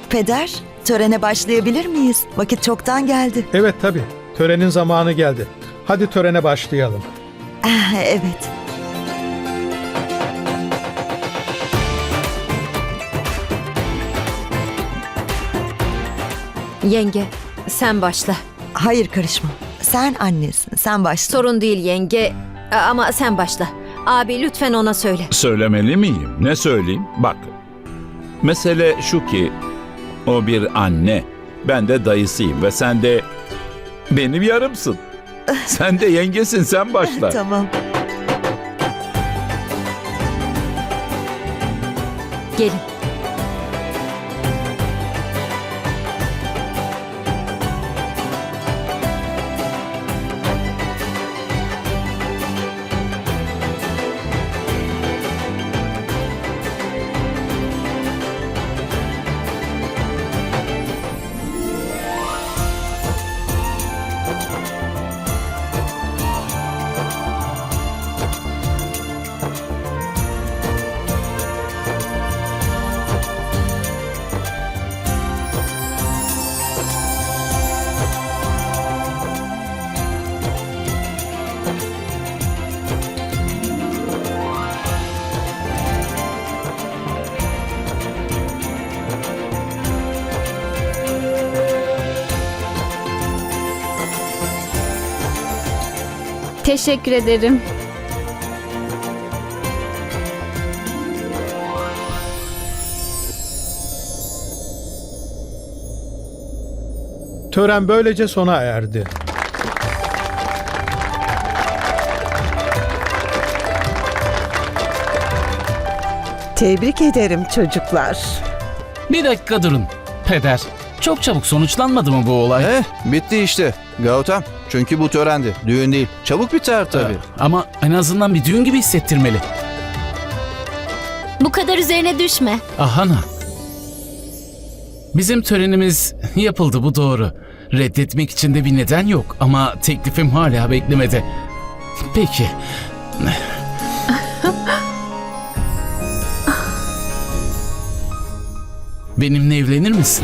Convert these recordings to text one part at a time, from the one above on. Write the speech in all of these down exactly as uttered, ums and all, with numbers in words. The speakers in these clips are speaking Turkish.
Peder, törene başlayabilir miyiz? Vakit çoktan geldi. Evet tabii. Törenin zamanı geldi. Hadi törene başlayalım. Ah, evet. Yenge, sen başla. Hayır karışma. Sen annesin. Sen başla. Sorun değil yenge ama sen başla. Abi lütfen ona söyle. Söylemeli miyim? Ne söyleyeyim? Bak, mesele şu ki o bir anne, ben de dayısıyım ve sen de benim yarımsın. Sen de yengesin, sen başla. Tamam. Gelin. Teşekkür ederim. Tören böylece sona erdi. Tebrik ederim çocuklar. Bir dakika durun. Peder, çok çabuk sonuçlanmadı mı bu olay? Eh, bitti işte. Gautam. Çünkü bu törendi. Düğün değil. Çabuk biter tabii. Evet, ama en azından bir düğün gibi hissettirmeli. Bu kadar üzerine düşme. Ahana. Bizim törenimiz yapıldı, bu doğru. Reddetmek için de bir neden yok ama teklifim hala beklemede. Peki. Benimle evlenir misin?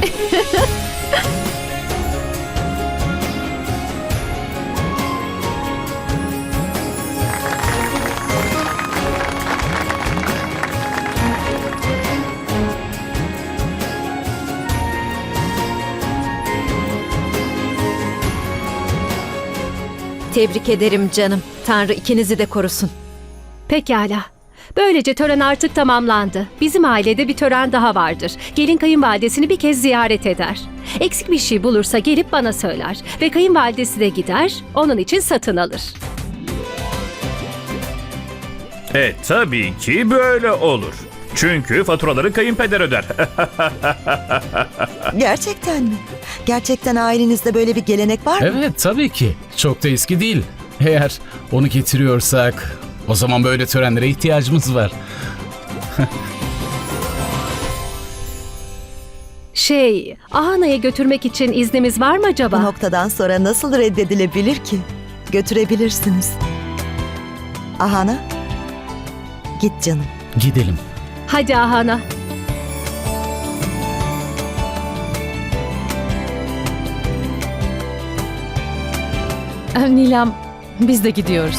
Tebrik ederim canım. Tanrı ikinizi de korusun. Pekala. Böylece tören artık tamamlandı. Bizim ailede bir tören daha vardır. Gelin kayınvalidesini bir kez ziyaret eder. Eksik bir şey bulursa gelip bana söyler. Ve kayınvalidesi de gider, onun için satın alır. E tabii ki böyle olur. Çünkü faturaları kayınpeder öder. Gerçekten mi? Gerçekten ailenizde böyle bir gelenek var mı? Evet, tabii ki. Çok da eski değil. Eğer onu getiriyorsak o zaman böyle törenlere ihtiyacımız var. Şey, Ahana'ya götürmek için iznimiz var mı acaba? Bu noktadan sonra nasıl reddedilebilir ki? Götürebilirsiniz. Ahana, git canım. Gidelim. Hadi Ahana. Nilam, biz de gidiyoruz.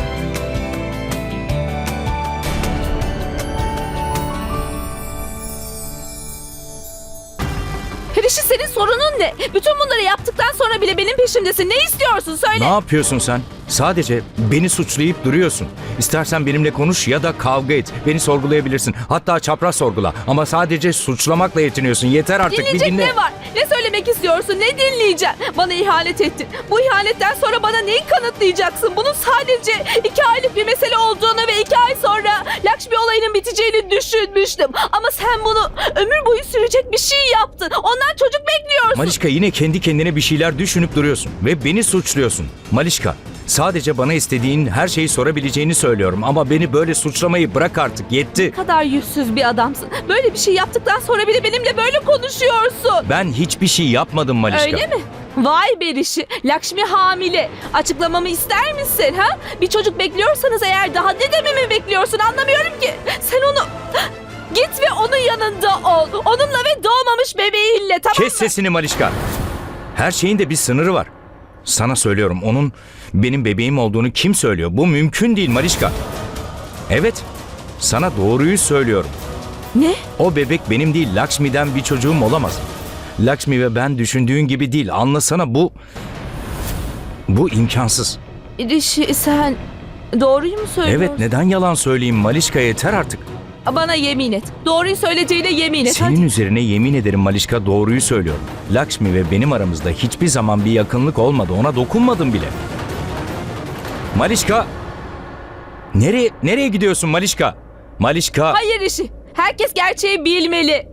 Rişi, senin sorunun ne? Bütün bunları yaptıktan sonra bile benim peşimdesin. Ne istiyorsun? Söyle. Ne yapıyorsun sen? Sadece beni suçlayıp duruyorsun. İstersen benimle konuş ya da kavga et. Beni sorgulayabilirsin. Hatta çapraz sorgula. Ama sadece suçlamakla yetiniyorsun. Yeter artık, Dinleyecek bir dinle. ne var? Ne söylemek istiyorsun? Ne dinleyeceğim? Bana ihanet ettin. Bu ihanetten sonra bana neyi kanıtlayacaksın? Bunun sadece iki aylık bir mesele olduğunu ve iki ay sonra Lakshmi olayının biteceğini düşünmüştüm. Ama sen bunu ömür boyu sürecek bir şey yaptın. Ondan çocuk bekliyorsun. Malişka, yine kendi kendine bir şeyler düşünüp duruyorsun. Ve beni suçluyorsun. Malişka, sadece bana istediğin her şeyi sorabileceğini söylüyorum. Ama beni böyle suçlamayı bırak artık. Yetti. Ne kadar yüzsüz bir adamsın. Böyle bir şey yaptıktan sonra bile benimle böyle konuşuyorsun. Ben hiçbir şey yapmadım Malişka. Öyle mi? Vay be Rişi. Lakshmi hamile. Açıklamamı ister misin ha? Bir çocuk bekliyorsanız eğer daha ne dememi bekliyorsun, anlamıyorum ki. Sen onu... Git ve onun yanında ol. Onunla ve doğmamış bebeğiyle, tamam mı? Kes sesini Malişka. Her şeyin de bir sınırı var. Sana söylüyorum, onun benim bebeğim olduğunu kim söylüyor? Bu mümkün değil Malişka. Evet, sana doğruyu söylüyorum. Ne? O bebek benim değil, Lakshmi'den bir çocuğum olamaz. Lakshmi ve ben düşündüğün gibi değil. Anlasana, bu... Bu imkansız. Rişi, sen doğruyu mu söylüyorsun? Evet, neden yalan söyleyeyim Malişka, yeter artık. Bana yemin et. Doğruyu söyleyeceğine yemin et. Senin Hadi. üzerine yemin ederim Malişka, doğruyu söylüyorum. Lakshmi ve benim aramızda hiçbir zaman bir yakınlık olmadı. Ona dokunmadım bile. Malişka! Nereye, nereye gidiyorsun Malişka? Malişka! Hayır Rişi. Herkes gerçeği bilmeli.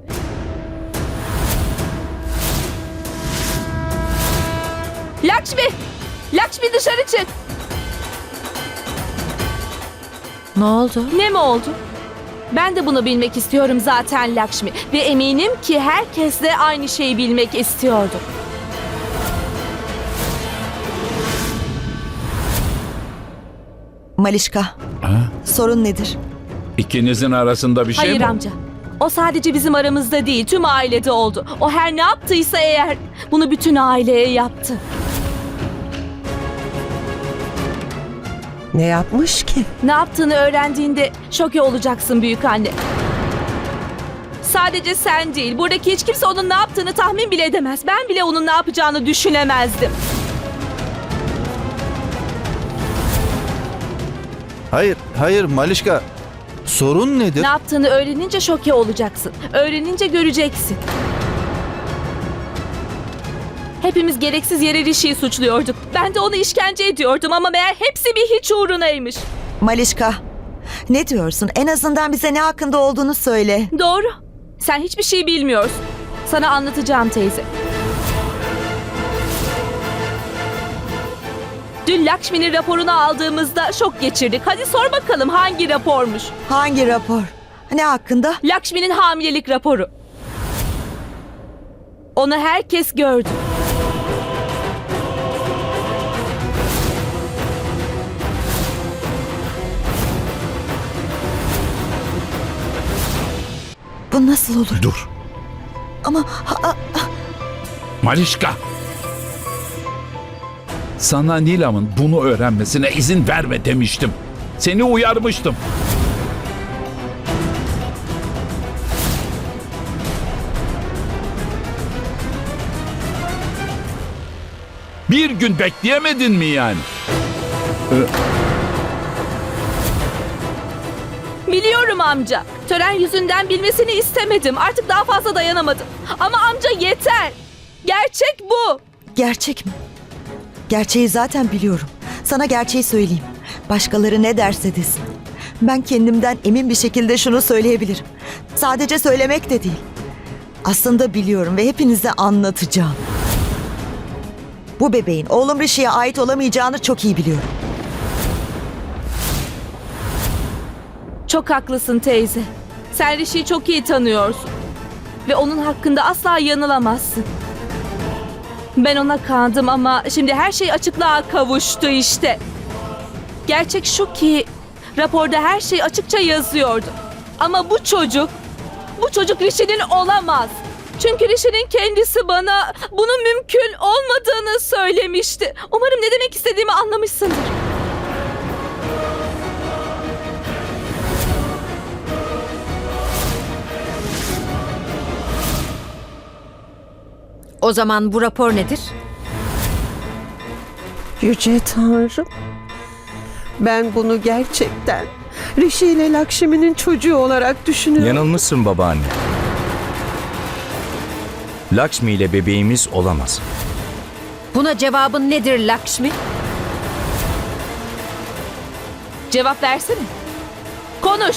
Lakshmi! Lakshmi dışarı çık. Ne oldu? Ne mi oldu? Ben de bunu bilmek istiyorum zaten Lakshmi. Ve eminim ki herkes de aynı şeyi bilmek istiyordu. Malişka, Ha? sorun nedir? İkinizin arasında bir şey Hayır mi? amca. O sadece bizim aramızda değil, tüm ailede oldu. O her ne yaptıysa eğer bunu bütün aileye yaptı. Ne yapmış ki? Ne yaptığını öğrendiğinde şoke olacaksın büyük anne. Sadece sen değil, buradaki hiç kimse onun ne yaptığını tahmin bile edemez. Ben bile onun ne yapacağını düşünemezdim. Hayır, hayır Malişka. Sorun nedir? Ne yaptığını öğrenince şoke olacaksın. Öğrenince göreceksin. Hepimiz gereksiz yere Rishi'yi suçluyorduk. Ben de onu işkence ediyordum ama meğer hepsi bir hiç uğrunaymış. Malişka, ne diyorsun? En azından bize ne hakkında olduğunu söyle. Doğru. Sen hiçbir şey bilmiyorsun. Sana anlatacağım teyze. Dün Lakshmi'nin raporunu aldığımızda şok geçirdik. Hadi sor bakalım hangi rapormuş? Hangi rapor? Ne hakkında? Lakshmi'nin hamilelik raporu. Onu herkes gördü. Bu nasıl olur? Dur. Ama ha- ha- Malişka. Sana Nilam'ın bunu öğrenmesine izin verme demiştim. Seni uyarmıştım. Bir gün bekleyemedin mi yani? Biliyorum amca. Tören yüzünden bilmesini istemedim. Artık daha fazla dayanamadım. Ama amca yeter. Gerçek bu. gerçek mi? Gerçeği zaten biliyorum. Sana gerçeği söyleyeyim. Başkaları ne derse desin. Ben kendimden emin bir şekilde şunu söyleyebilirim. Sadece söylemek de değil. Aslında biliyorum ve hepinize anlatacağım. Bu bebeğin oğlum Rishi'ye ait olamayacağını çok iyi biliyorum. Çok haklısın teyze. Sen Rishi'yi çok iyi tanıyorsun. Ve onun hakkında asla yanılamazsın. Ben ona kandım ama şimdi her şey açıklığa kavuştu işte. Gerçek şu ki raporda her şey açıkça yazıyordu. Ama bu çocuk, bu çocuk Rishi'nin olamaz. Çünkü Rishi'nin kendisi bana bunun mümkün olmadığını söylemişti. Umarım ne demek istediğimi anlamışsındır. O zaman bu rapor nedir? Yüce Tanrım. Ben bunu gerçekten Rishi ile Lakshmi'nin çocuğu olarak düşünüyorum. Yanılmışsın babaanne. Lakshmi ile bebeğimiz olamaz. Buna cevabın nedir Lakshmi? Cevap versene. Konuş.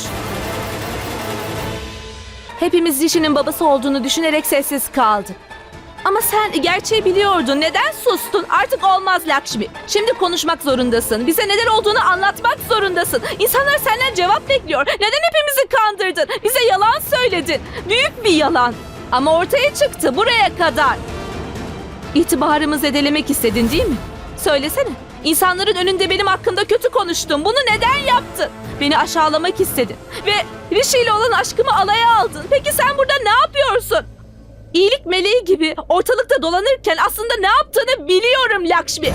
Hepimiz Rishi'nin babası olduğunu düşünerek sessiz kaldık. Ama sen gerçeği biliyordun. Neden sustun? Artık olmaz Lakshmi. Şimdi konuşmak zorundasın. Bize neler olduğunu anlatmak zorundasın. İnsanlar senden cevap bekliyor. Neden hepimizi kandırdın? Bize yalan söyledin. Büyük bir yalan. Ama ortaya çıktı buraya kadar. İtibarımı zedelemek istedin değil mi? Söylesene. İnsanların önünde benim hakkımda kötü konuştun. Bunu neden yaptın? Beni aşağılamak istedin. Ve Rishi ile olan aşkımı alaya aldın. Peki sen burada ne yapıyorsun? İyilik meleği gibi ortalıkta dolanırken aslında ne yaptığını biliyorum Lakshmi.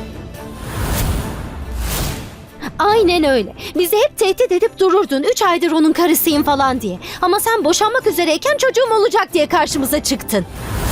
Aynen öyle. Bizi hep tehdit edip dururdun. Üç aydır onun karısıyım falan diye. Ama sen boşanmak üzereyken çocuğum olacak diye karşımıza çıktın.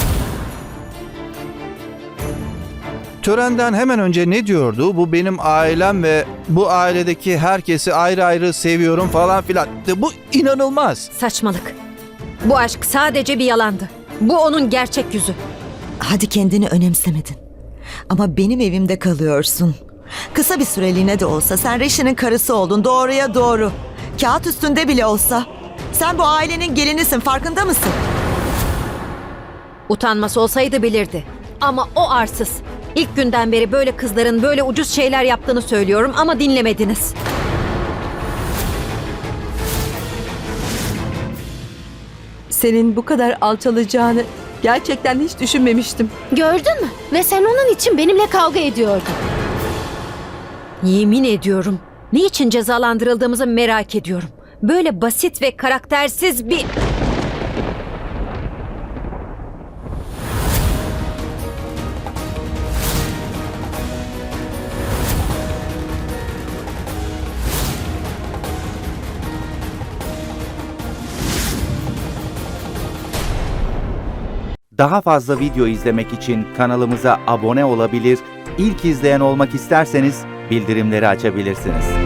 Törenden hemen önce ne diyordu? Bu benim ailem ve bu ailedeki herkesi ayrı ayrı seviyorum falan filan. Bu inanılmaz. Saçmalık. Bu aşk sadece bir yalandı. Bu onun gerçek yüzü. Hadi kendini önemsemedin. Ama benim evimde kalıyorsun. Kısa bir süreliğine de olsa sen Rishi'nin karısı oldun, doğruya doğru. Kağıt üstünde bile olsa. Sen bu ailenin gelinisin, farkında mısın? Utanması olsaydı bilirdi. Ama o arsız. İlk günden beri böyle kızların böyle ucuz şeyler yaptığını söylüyorum ama dinlemediniz. Senin bu kadar alçalacağını gerçekten hiç düşünmemiştim. Gördün mü? Ve sen onun için benimle kavga ediyordun. Yemin ediyorum. Niçin cezalandırıldığımızı merak ediyorum. Böyle basit ve karaktersiz bir... Daha fazla video izlemek için kanalımıza abone olabilir, ilk izleyen olmak isterseniz bildirimleri açabilirsiniz.